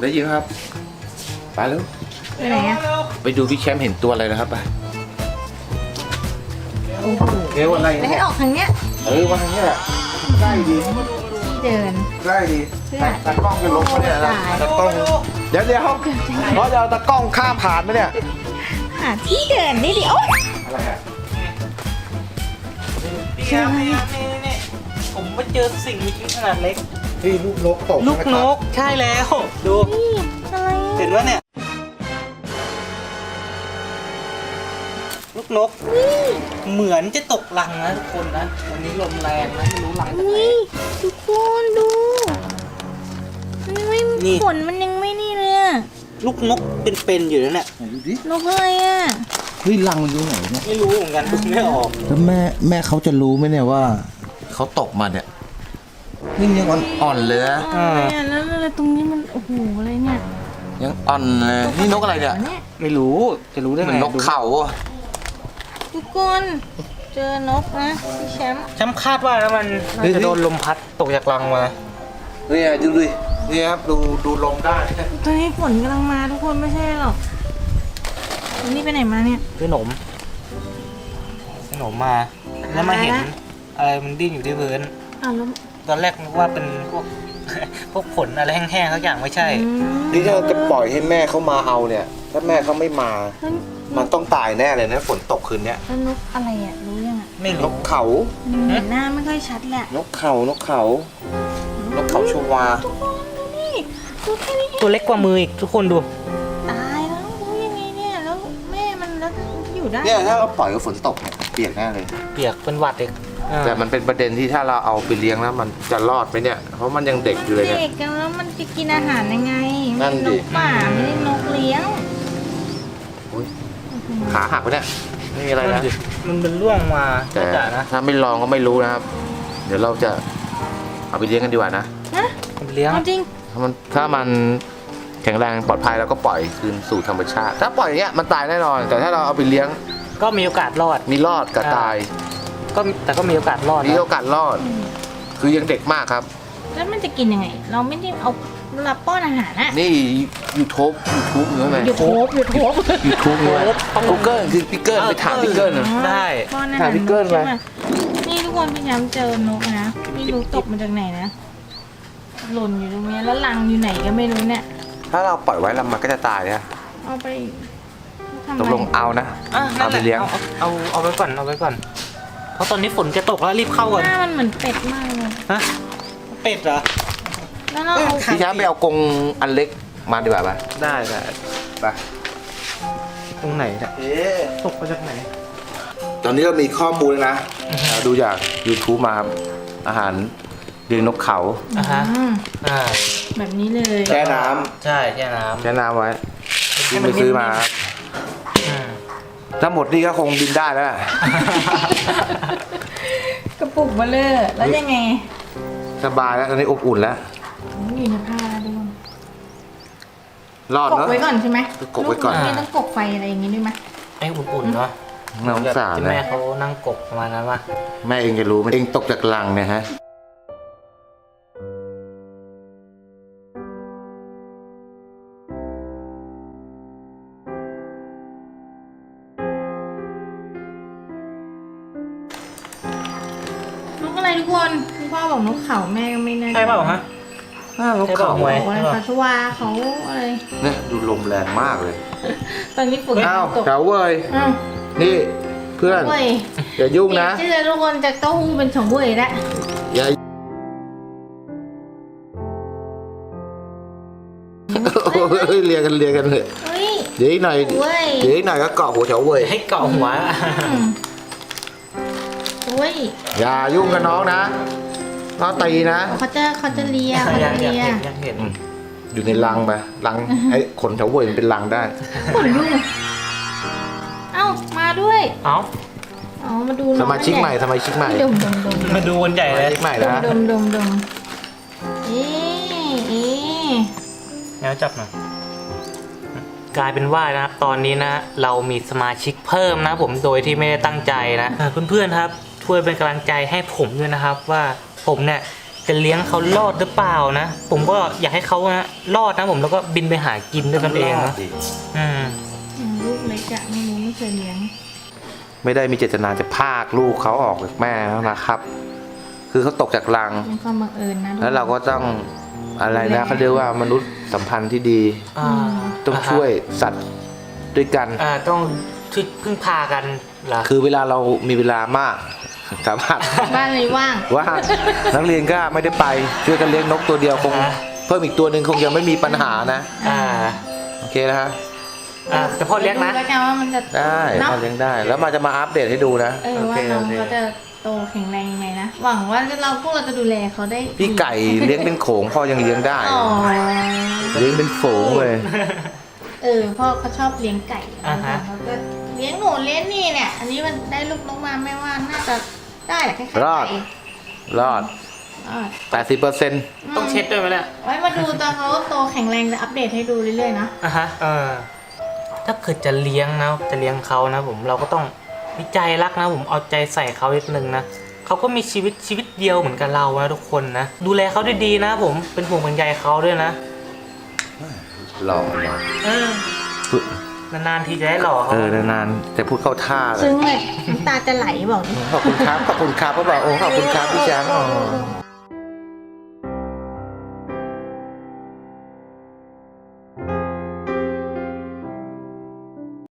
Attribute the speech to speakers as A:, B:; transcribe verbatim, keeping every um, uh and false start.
A: ได้ยินครับไปแล้ว
B: ไปไหนอะ
A: ไปดูพี่แชมป์เห็นตัวอะไรนะครับไป
B: โอ้โห
A: เร็วอะไร
B: แล้วให้ออกทางเนี้ย
A: เออวันนี้แหละได้ดี
B: ที่เดิน
A: ได้ดี
B: เพื่อ
A: ตากล้องจะลงมาเนี่ยนะตากล้องเดี๋ยวเดี๋ยวเพราะจะเอาตากล้องข้ามผ่านไหมเนี่ย
B: หาที่เดินนี่ดิโอ๊ย
A: อะไรอ่ะ
C: พี่ครับนี่นี่นี่ผมไปเจอสิ่งมีชีวิตขนาดเล็ก
A: นี่ลูกนกตก
C: ลูกนกใช่แล้วดู
B: นี่อะไร
C: เห็นว่าเนี่ยลูกนกเหมือนจะตกรังนะทุกคนนะวันนี้ลมแรงนะไม่รู้รังจากไหน
B: นี่ทุกคนดูมันยังไม่
C: นี่
B: ขนมันยังไม่นี่เลยอะ
C: ลูกนกเป็นๆอยู่แล้วเนี่ย
A: ไหนดูดิ
B: นกอะไรอะ
A: เฮ้ยรังมันอยู่ไหนเนี่ย
C: ไม่รู้เหมือนกันดูไม่ออก
A: แล้วแม่แม่เขาจะรู้ไหมเนี่ยว่าเขาตกมาเนี่ยนี่ยังอ่อนๆเลยนะ
B: อะไรอะแล้วอะไรตรงนี้มันโอ้โหอะไรเนี่ย
A: ยังอ่อนเลยนี่นกอะไรเนี่ย
B: เนี่ย
C: ไม่รู้จะรู้ได้
A: เหมื
C: ไง
A: อนนกเขาอะ
B: ทุกคนเจอนกนะพี่แชมป์
C: ฉันคาดว่านะมันน่าจะโดนลมพัดตกจากรังมา
A: เนี่ยดูดินี่ครับดูดูลมได้
B: ตอนนี้ฝนกำลังมาทุกคนไม่ใช่หรอกวันนี้ไปไหนมาเนี่ย
C: ขนมขนมมา แล้วมาเห็นอะไรมันดิ้นอยู่ที่พื้น
B: อ้าวแล้ว
C: ตอนแรกนึกว่าเป็นพวก พวกขนอะไรแห้งๆสักอย่างไม่ใช่
B: อืม
A: นี่ถ้าจะปล่อยให้แม่เขามาเอาเนี่ย ถ้าแม่เขาไม่มา
B: แล้ว
A: มันต้องตายแน่เลยนะฝนตกคืนเนี้ย
B: แล้วนกอะไรอ่ะรู้ยังอ่ะ
C: ไม่
A: น
C: รู้
A: กเขา
B: มันเห็นหน้าไม่ค่อยชัดแหละ
A: นกเขานกเขา นกเขาชวา
B: ทุกคนดูนี่ดูแค่นี้เอง
C: ตัวเล็กกว่ามืออีกทุกคนดู
B: ตายแล้วรู้ยังไงเนี่ยแล้วแม่มันแล้วอยู่ได้
A: เนี่ยถ้าเราปล่อยกับฝนตกเนี่ยเปียกแน่เลย
C: เปียกเป็นหวัดเด็ก
A: แต่มันเป็นประเด็นที่ถ้าเราเอาไปเลี้ยงแล้วมันจะรอดไหมเนี่ย เพราะมันยังเด็กอยู่เลยเนี่ย
B: เด็กกันแล้วมันจะกินอาหารยังไง
A: นั่นดิ
B: นกป่าไม่ได้นกเลี้ยง
A: ขาหักไปเนี่ยไม่มีอะไรนะ
C: มันเป็นร่วงมา
A: แต่
C: จ่านะ
A: ถ้าไม่ลองก็ไม่รู้นะครับ เดี๋ยวเราจะเอาไปเลี้ยงกันดีกว่านะ
B: นะ
C: มันเลี้ยง
B: เอาจริง
A: ถ้ามันถ้ามันแข็งแรงปลอดภัยเราก็ปล่อยคืนสู่ธรรมชาติ ถ้าปล่อยอย่างเงี้ยมันตายแน่นอน แต่ถ้าเราเอาไปเลี้ยง
C: ก็มีโอกาสรอด
A: มีรอดกับตาย
C: ก็แต่ก็มีโอกาสรอด
A: มี
C: นะ
A: โอกาสรอด คือยังเด็กมากครับ
B: แล้วมันจะกินยังไง เราไม่ได้เอารับป้อนอาหารอะ
A: นี่ยูทูบยูทูบหรือไง
B: หยุดโทบหยุดโทบ
A: ยูทูบเลยกูเกิลคือพิกเกิลไปถามพิกเกิลนะ
C: ได้
B: ป้อนอา
A: ถา
B: หาม ร
A: พี่เกิ้ล
B: นกใช่
A: ไหม
B: ไหมนี่ทุกคนพี่ย้ำเจอนกนะไม่รู้ตกมาจากไหนนะหล่นอยู่ตรงเนี้ยแล้วรังอยู่ไหนก็ไม่รู้เนี่ย
A: ถ้าเราปล่อยไว้แล้วมันก็จะตายเนี่ย
B: เอาไปทำไม
A: ตกลงเอานะ
C: อ่ะนั่
A: เอา
C: นแห
A: ไป
C: ละ
A: เลี้ยง
C: เอาเอาเอาไว้ก่อนเอาไว้ก่อน เพราะตอนนี้ฝนจะตกแล้วรีบเข้าก่อน
B: หน้ามันเหมือนเป็ดมากเลย
C: ฮะเป็ดเหรอ
B: แล้วเราเอา
A: พี่ช้างไปเอากรงอันเล็กมาดีกว่าป่ะ
C: ได้ได้
A: ไป
C: ตรงไหนเนี่ยตกมาจากไหน
A: ตอนนี้เรามีข้อมูลแล้วนะเราดูจาก YouTube มาครับอาหารเลี้ยงนกเขา
C: อ่ะฮะ
B: อืม
C: อ่า
B: แบบนี้เลย
A: แช่น้ำ
C: ใช่แช่น้
A: แช่น้ำไว้บินไปซื้อมาครับ
C: ำอืม
A: ถ้าหมดนี่ก็คงบินได้แล้วล่ะ
B: กระปุกเบลเลอร์แล้วยังไง
A: สบายแล้วตอนนี้อบอุ่นแล้ว
B: อยู่ในผ้าแล้วด้วย
A: รอด
B: กบ
A: เนาะ
B: ไว้ก่อนใช่ไหม
A: กบไว้ก่อน
B: ลูไม่ต้องกบไฟอะไรอย่างงี้ด้วยไหม
C: ให้อุ่นๆเนาะ
A: น่าสงสาร
C: ที่
A: นะ
C: แม่เขานั่งกบประมาณนั้นป่ะ
A: แม่เองจะรู้ไหมเองตกจากลังเนี่ยฮะ
B: นกอะไรทุกคนคุณพ่อบอกนกเขาแม่ก็ไม่แน่ใจ
C: ใช่เปล่าฮะ
A: อ้าวนกเขา
C: ใช่
B: บ
C: ป่ะ
B: อกอะไรคะชวาเขาอะไร
A: เนี่ยดูลมแรงมากเลย
B: ตอนนี้ฝน
A: อ้าว
B: ตก
A: เก๋าเว้ย
B: อ้าว
A: นี่เพื่อน
B: เว้ย
A: อย่ายุ่งนะ
B: เชื่อทุกคนจากเต้าหู้เป็นสองเว้ยแล้ว
A: อย่าเฮ้ยเรียกกันเรียกกันเลย
B: เฮ้ย
A: เดี๋ยวอีกหน่อย
B: เว้ย
A: เดี๋ยวอีกหน่อยก็เกาะหัวเฉาเว้ย
C: ให้เกาะหัว
B: อืมเว้ย
A: อย่ายุ่งกับน้องนะน้องตีนะ
B: เขาจะเขาจะเลียเขา
C: อยา
B: จะ
C: กอยาก
B: เลีย
C: เห็นอยากเห็น
A: อยู่ในรังไปรังไอ้ขนเฉาเว่ยมันเป็นรังได้
B: ขนลุกเอ้ามาด้วย
C: เอ้า
B: อ๋อมาดู
A: สมาชิกใหม่สมาชิกใหม่
B: ดมดมดม
C: มาดูกันใหญ่
A: ส
C: เล
A: มาย ชิกใหม่
B: ด
A: นะ
B: มดมดมดมเอ๊ะเอ๊ะ
C: แนวจับหน่อยกลายเป็นว่านะครับตอนนี้นะ เรามีสมาชิกเพิ่มนะผมโดยที่ไม่ได้ตั้งใจนะเพื่อนๆครับช่วยเป็นกำลังใจให้ผมด้วยนะครับ ว่าผมเนี่ยจะเลี้ยงเขารอดหรือเปล่านะ ผมก็อยากให้เขานะรอดนะผมแล้วก็บินไปหากินด้วยตนเองนะอืม
B: ลูกเล็กอะไม่รู้ไม่เคยเลี้ยง
A: ไม่ได้มีเจตนาจะพากลูกเขาออกจากแม่นะครับ คือเขาตกจากรัง
B: เป็นความบังเอิญนะ
A: แล้วเราก็ต้องอะไรนะเขาเรียกว่ามนุษย์สัมพันธ์ที่ดี
C: อ่า
A: ต้องช่วยสัตว์ด้วยกัน
C: อ่าต้องช่วยพึ่งพากันเหรอ
A: คือเวลาเรามีเวลามากสามารถ
B: บ้านเลยว่าง
A: ว่านักเรียนก็ไม่ได้ไปช่วยกันเลี้ยงนกตัวเดียวคงเพิ่มอีกตัวหนึ่งคงยังไม่มีปัญหานะ
C: อ่า
A: โอเคนะฮะ
C: อ่าแต่พ่อเลี้ยงนะ
B: ดูแล้วกันว่ามันจะ
A: ได้
B: เนาะ
A: พอเลี้ยงได้ แล้วมาจะมาอัปเดตให้ดูนะ
B: เออ
C: โอ
B: ว่า
C: เค
B: น้อง
C: โอเค
B: เขาจะโตแข็งแรงยังไงนะหวังว่าเราพวกเราจะดูแลเขาได้
A: พี่ไก่เลี้ยงเป็นโขงพ่อยังเลี้ยงได้
B: อ๋อ
A: เลี้ยงเป็นฝูงเลย
B: เออพ่อเขาชอบเลี้ยงไก่
C: อ่าฮะ
B: เขาก็เลี้ยงหนูเลี้ยงนี่เนี่ย อันนี้มันได้ลูกนกมาไม่ว่าน่าจะได้แหละคล้ายๆ
A: รอด
B: ไก่
A: รอด
B: รอด
A: แปดสิบเปอร์เซ็นต์
C: ต้องเช็ดด้วยไหมเนี่ย
B: ไว้มาดูตอนเขาโตแข็งแรงจะอัปเดตให้ดูเรื่อยๆนะ
C: อ่ะฮะเออถ้าเกิดจะเลี้ยงนะจะเลี้ยงเขานะผมเราก็ต้องมีใจรักนะผมเอาใจใส่เขานิดนึงนะเขาก็มีชีวิตชีวิตเดียวเหมือนกับเรานะทุกคนนะดูแลเขาดีๆนะผมเป็นห่วงเป็นใยเขาด้วยนะ
A: หล่อหล่อ
C: เออนานๆทีจะได้หล่อเขา
A: เออนานๆแต่พูดเข้าท่าเลย
B: ซึ้งเลยน้ำตาจะไหลบอกดิ
A: ขอบคุณครับ ขอบคุณครับก็บอกโอ้ขอบคุณครับพี่แจ๊คอ๋อ